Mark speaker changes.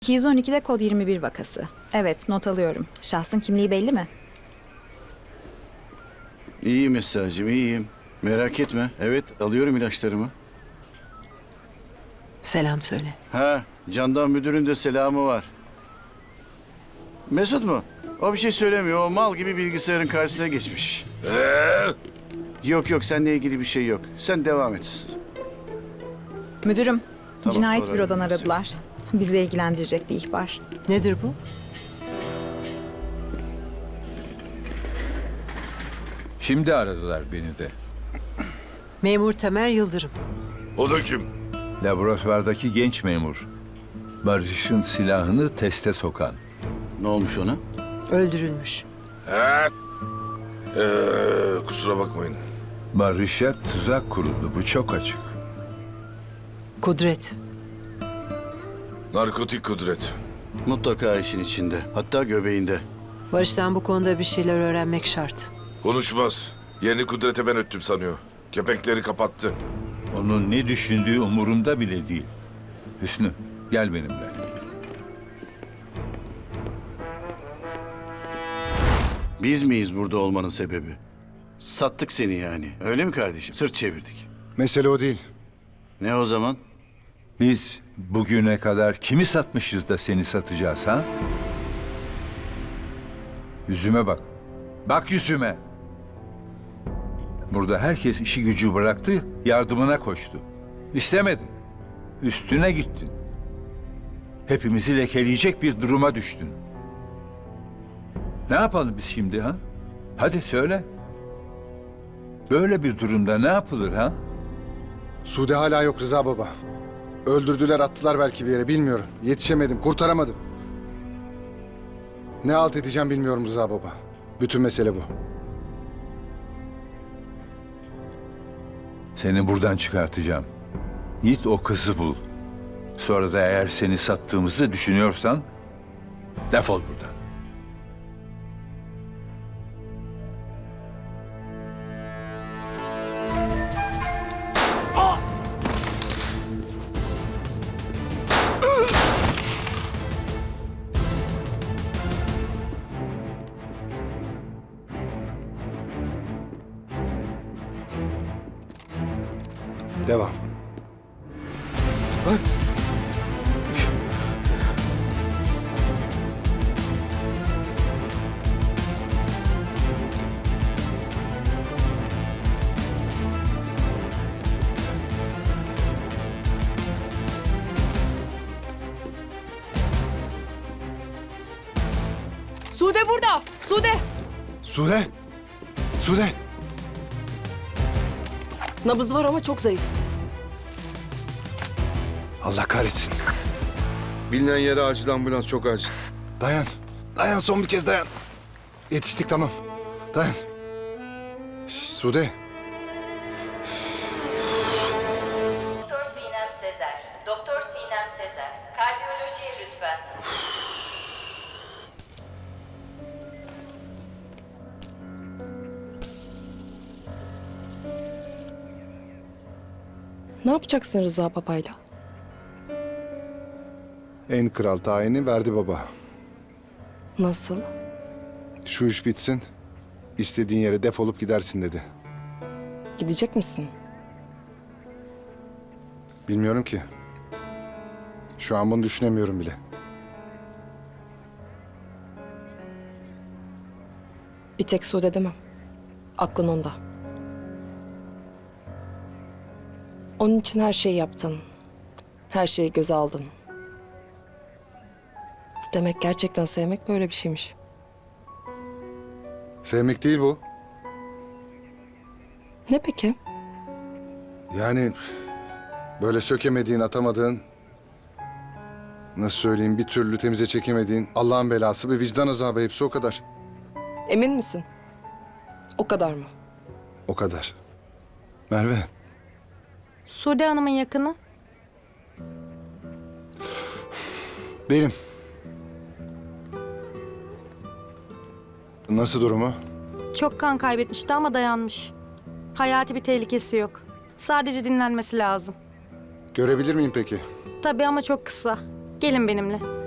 Speaker 1: 212'de kod 21 vakası. Evet, not alıyorum. Şahsın kimliği belli mi?
Speaker 2: İyiyim Esra'cığım, iyiyim. Merak etme. Evet, alıyorum ilaçlarımı.
Speaker 3: Selam söyle.
Speaker 2: Ha, Candan müdürün de selamı var. Mesut mu? O bir şey söylemiyor. O mal gibi bilgisayarın karşısına geçmiş. Yok, seninle ilgili bir şey yok. Sen devam et.
Speaker 1: Müdürüm,
Speaker 2: Tamam,
Speaker 1: cinayet
Speaker 2: sonra
Speaker 1: bürodan
Speaker 2: ararım
Speaker 1: aradılar. Bizi ilgilendirecek bir ihbar.
Speaker 3: Nedir bu?
Speaker 4: Şimdi aradılar beni de.
Speaker 3: Memur Tamer Yıldırım.
Speaker 5: O da kim?
Speaker 4: Laboratuvardaki genç memur. Barış'ın silahını teste sokan.
Speaker 2: Ne olmuş ona?
Speaker 3: Öldürülmüş.
Speaker 5: Kusura bakmayın.
Speaker 4: Barış'a tuzak kuruldu. Bu çok açık.
Speaker 3: Kudret.
Speaker 5: Narkotik kudret.
Speaker 2: Mutlaka işin içinde. Hatta göbeğinde.
Speaker 3: Barış'tan bu konuda bir şeyler öğrenmek şart.
Speaker 5: Konuşmaz. Yerini kudrete ben öttüm sanıyor. Kepenkleri kapattı.
Speaker 4: Onun ne düşündüğü umurumda bile değil. Hüsnü, gel benimle.
Speaker 2: Biz miyiz burada olmanın sebebi? Sattık seni yani. Öyle mi kardeşim? Sırt çevirdik.
Speaker 6: Mesele o değil.
Speaker 2: Ne o zaman?
Speaker 4: Biz bugüne kadar kimi satmışız da seni satacağız ha? Yüzüme bak. Bak yüzüme. Burada herkes işi gücü bıraktı, yardımına koştu. İstemedin. Üstüne gittin. Hepimizi lekeleyecek bir duruma düştün. Ne yapalım biz şimdi ha? Hadi söyle. Böyle bir durumda ne yapılır ha?
Speaker 6: Sude hala yok Rıza baba. Öldürdüler, attılar belki bir yere, bilmiyorum. Yetişemedim, kurtaramadım. Ne halt edeceğim bilmiyorum Rıza baba. Bütün mesele bu.
Speaker 4: Seni buradan çıkartacağım. Git o kızı bul. Sonra da eğer seni sattığımızı düşünüyorsan defol buradan.
Speaker 6: Devam. Lan!
Speaker 3: Sude burada! Sude!
Speaker 6: Sude! Sude!
Speaker 3: Nabız var ama çok zayıf.
Speaker 6: Allah kahretsin.
Speaker 5: Bilinen yere acil ambulans, çok acil.
Speaker 6: Dayan. Dayan, son bir kez dayan. Yetiştik, tamam. Dayan. Sude.
Speaker 7: Doktor Sinem Sezer. Doktor Sinem Sezer. Kardiyolojiye lütfen.
Speaker 8: Ne yapacaksın Rıza babayla?
Speaker 6: En kral tayini verdi baba.
Speaker 8: Nasıl?
Speaker 6: Şu iş bitsin. İstediğin yere defolup gidersin dedi.
Speaker 8: Gidecek misin?
Speaker 6: Bilmiyorum ki. Şu an bunu düşünemiyorum bile.
Speaker 8: Bir tek Sude demem. Aklın onda. Onun için her şeyi yaptın. Her şeyi göze aldın. Demek gerçekten sevmek böyle bir şeymiş.
Speaker 6: Sevmek değil bu.
Speaker 8: Ne peki?
Speaker 6: Yani böyle sökemediğin, atamadığın, nasıl söyleyeyim, bir türlü temize çekemediğin Allah'ın belası bir vicdan azabı, hepsi o kadar.
Speaker 8: Emin misin? O kadar mı?
Speaker 6: O kadar. Merve,
Speaker 9: Sude Hanım'ın yakını.
Speaker 6: benim. Nasıl durumu?
Speaker 9: Çok kan kaybetmişti ama dayanmış. Hayati bir tehlikesi yok. Sadece dinlenmesi lazım.
Speaker 6: Görebilir miyim peki?
Speaker 9: Tabii ama çok kısa. Gelin benimle.